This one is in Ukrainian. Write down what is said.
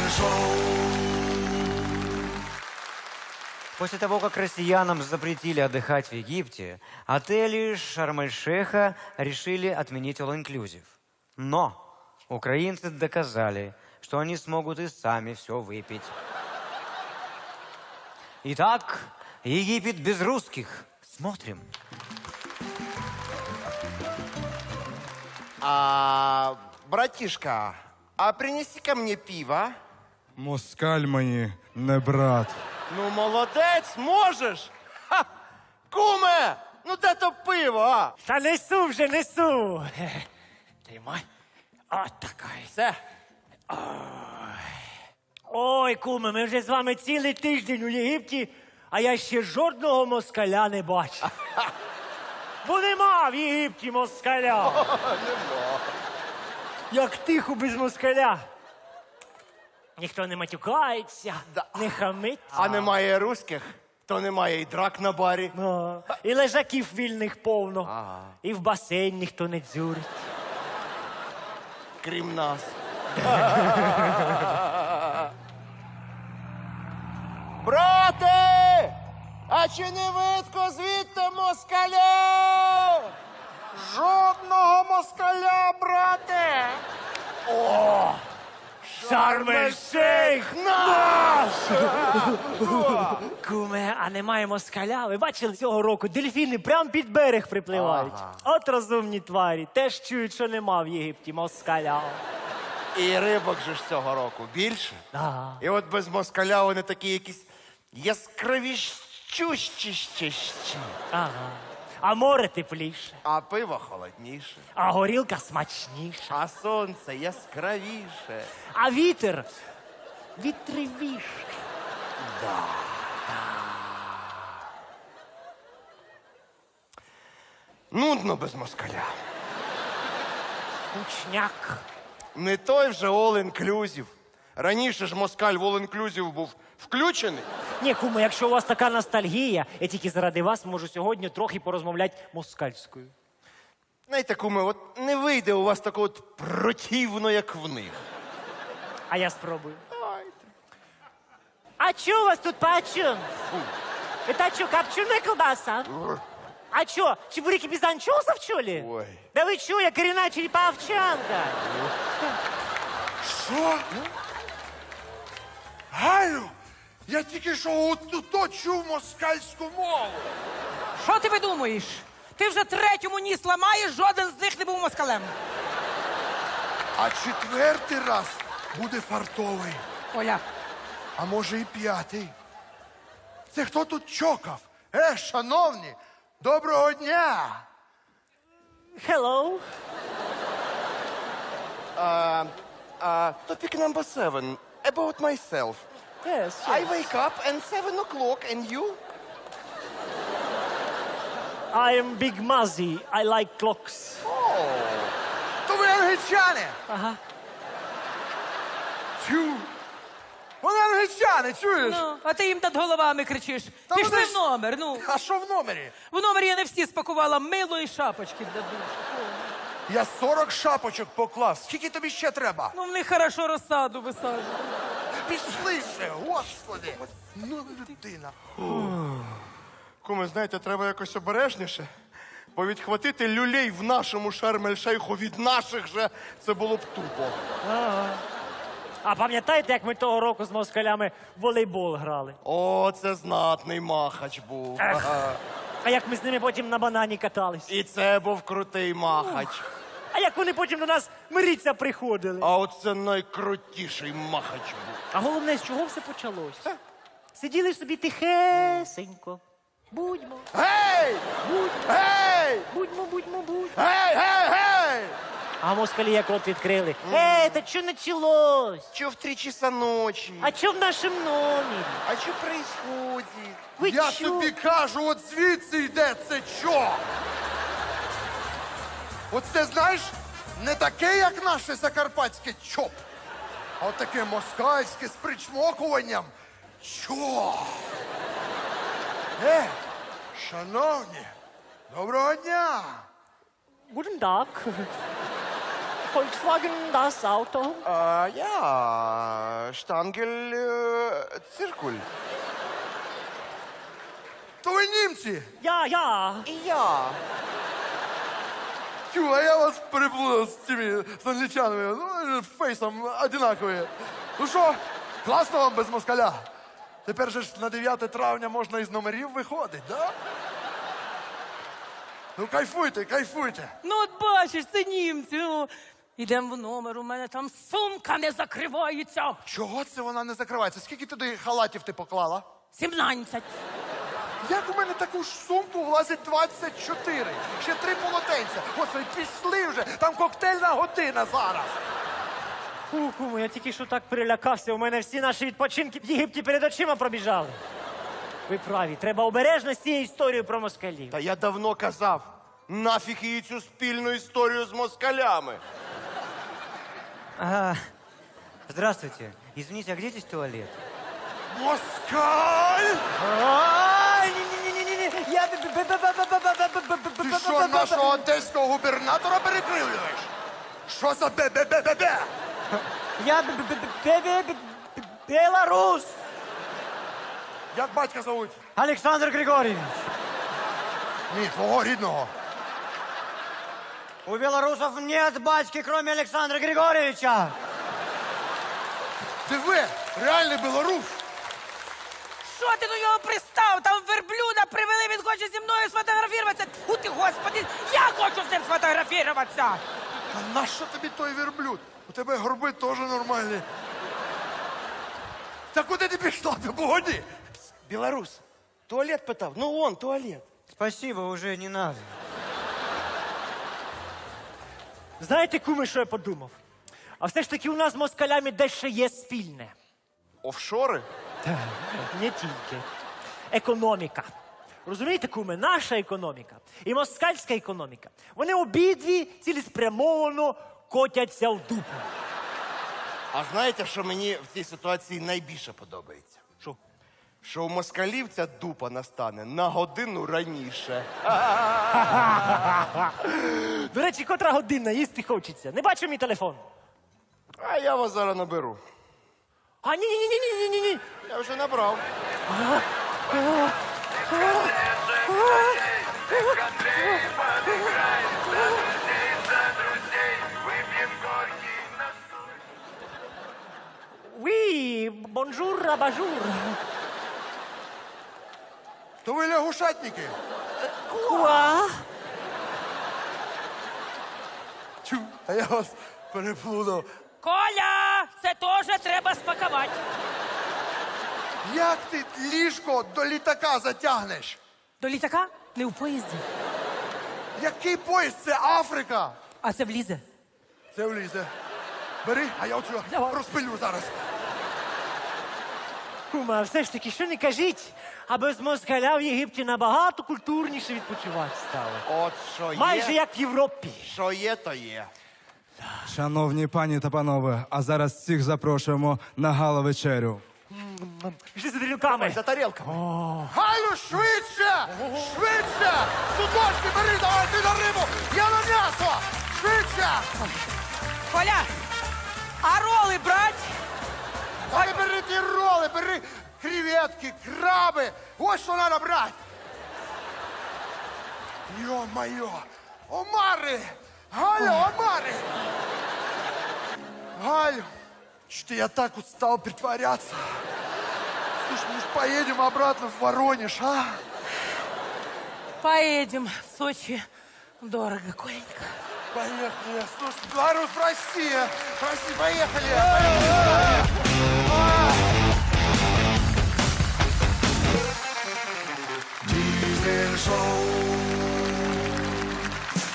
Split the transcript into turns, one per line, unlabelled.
После того, как россиянам запретили отдыхать в Египте, отели Шарм-эль-Шейха решили отменить all-inclusive. Но украинцы доказали, что они смогут и сами все выпить. Итак, Египет без русских. Смотрим.
Братишка, а принеси ко мне пиво.
Москаль мені не брат.
Ну, молодець, можеш. Ха! Куме, ну де то пиво, а?
Та несу вже, несу. Тримай. От така.
Все.
Ой, куме, ми вже з вами цілий тиждень у Єгипті, а я ще жодного москаля не бачив. Бо нема в Єгипті москаля.
Нема.
Як тихо без москаля. Ніхто не матюкається,
Да.
не хамить.
А немає русських, то немає і драк на барі.
І лежаків вільних повно. І в басейн ніхто не дзюрить.
Крім нас. Брате! А чи не видко звідти москаля? Жодного москаля, брате! О!
Шарм-ель-Шейх
наш!
Куме, а немає москаля? Ви бачили цього року? Дельфіни прямо під берег припливають. От розумні тварі. Теж чують, що нема в Єгипті москаля.
І рибок же ж цього року більше.
Да.
І от без москаля вони такі якісь яскравіщущі.
Ага. А море тепліше,
А пиво холодніше.
а горілка смачніша,
А сонце яскравіше.
а вітер вітривіше.
Нудно без москаля.
Кучняк.
Не той вже all-inclusive. Раніше ж москаль в all-inclusive був включений.
Ні, куме, якщо у вас така ностальгія, я тільки заради вас можу сьогодні трохи порозмовляти москальською.
Знаєте, куме, от не вийде у вас такого от противно, як в них.
А я спробую.
Давайте.
А что у вас тут почем? Это что, копченая колбаса? А что, чебуреки без анчоусов, что ли?
Ой.
Да вы что, я коренная череповчанка.
Що? Галю, я тільки що отут чув москальську мову.
Що ти видумуєш? Ти вже третьому ніс ламаєш, жоден з них не був москалем.
А четвертий раз буде фартовий.
Оля,
А може і п'ятий. Це хто тут чокав? Шановні, доброго дня!
Hello.
Topic number 7. About myself.
Yes,
I wake up and 7 o'clock and you?
I am Big Muzzy. I like clocks.
То ви англічани!
Ага.
Тю! Вони англічани, чуєш?
ну, а ти їм над головами кричиш.
Та
Пішли
вони
в
ж-
номер, ну.
А що в номері?
В номері я не всі спакувала мило і шапочки для душу.
Я 40 шапочок поклав. Скільки тобі ще треба?
Ну, в них хорошо розсаду висаджують.
Пішли ще, господи! Ну, людина.
Куме, знаєте, треба якось обережніше. Бо відхватити люлей в нашому Шарм-ель-Шейху від наших же, це було б тупо.
А пам'ятаєте, як ми того року з москалями в волейбол грали?
О, це знатний махач був.
Ех. А як ми з ними потім на банані катались?
І це був крутий махач.
А як вони потім до нас миріться приходили?
А от це найкрутіший махач був.
А головне, з чого все почалося? Сиділи собі тихесенько. Будьмо,
Гей! Гей!
будьмо.
Гей, гей, гей!
А москалі як рот відкрили. Та що началось?
Чё в 3 часа ночі?
А що в нашому номері?
А що происходит?
Ви
Я
чо?
тобі кажу, от звідси йде це чо? Оце, знаєш, не таке, як наше закарпатське чоп, а от таке москальське з причмокуванням. Чо? Шановні, доброго дня!
Guten Tag. Volkswagen das Auto?
Я штангель циркуль.
То ви німці?
Я.
І я.
Тю, а я вас переплутав з цими з англічанами. Ну, фейсом одинакові. Ну що, класно вам без москаля? Тепер же ж на 9 травня можна із номерів виходить, да? Ну кайфуйте, кайфуйте.
Ну, от бачиш, це німці. Ну. Ідемо в номер, у мене там сумка не закривається.
Чого це вона не закривається? Скільки туди халатів ти поклала?
17.
Як у мене таку ж сумку влазить 24? Ще 3 полотенця. Господи, пішли вже, там коктейльна година зараз.
Фу, куме, я тільки що так перелякався. У мене всі наші відпочинки в Єгипті перед очима пробіжали. Ви праві, треба обережно з цією історією про москалів.
Та я давно казав, нафіг її цю спільну історію з москалями.
Здравствуйте. Извините, а где здесь туалет?
Москаль!
Ай, не-не-не-не-не. Я...
Ти що, нашого одеського губернатора перекривлюєш? Що за бе-бе-бе-бе-бе?
Я белорус.
Як батька зовуть?
Александр Григорьевич.
Ні, твого рідного.
У белорусов нет батьки, кроме Александра Григорьевича.
Ти ви, реальний білорус.
Що ти до нього пристав? Там верблюда привели, він хоче зі мною сфотографуватися. Тьфу ти, господи, я хочу з ним сфотографуватися.
А нащо тобі той верблюд? У тебе горби теж нормальні. Та куди ти пішла? Ти погоді.
Білорус, туалет питав? Ну вон, туалет.
Спасибо, уже не надо.
Знаєте, куме, що я подумав? А все ж таки у нас з москалями дещо є спільне.
Офшори?
Не тільки. Економіка. Розумієте, куме, наша економіка і москальська економіка, вони обидві цілеспрямовано котяться в дупу.
А знаєте, що мені в цій ситуації найбільше подобається?
Що?
Що у москалів ця дупа настане на годину раніше.
До речі, котра година їсти хочеться. Не бачу мій телефон.
А я вас зараз наберу.
А ні.
Я вже набрав.
Oui, бонжур, абажур.
То ви лягушатники.
Куа?
Тю, а я вас переплутав.
Коля, це теж треба спакувати.
Як ти ліжко до літака затягнеш?
До літака? Не в поїзді.
Який поїзд? Це Африка.
А це влізе.
Це влізе. Бери, а я оцю розпилю зараз.
Кума, а все ж таки, що не кажіть, а без москаля в Єгипті набагато культурніше відпочивати стало.
От що є.
Майже як в Європі.
Що є, то є.
Шановні пані та панове, а зараз всіх запрошуємо на гала-вечерю.
Пішли за тарілками.
За тарілками.
Галю, швидше! Швидше! Судочки бери, давай ти на рибу! Я на м'ясо! Швидше!
Коля, а роли брать?
Та не бери ті роли, бери креветки, краби! Ось що треба брати! Йо-моє! Омари! Галю, омари! Галю, что я так устал притворяться. Слушай, мы же поедем обратно в Воронеж, а?
Поедем в Сочи. Дорого, Коленька.
Поехали. Слушай, Беларусь, Россия. Прости, поехали.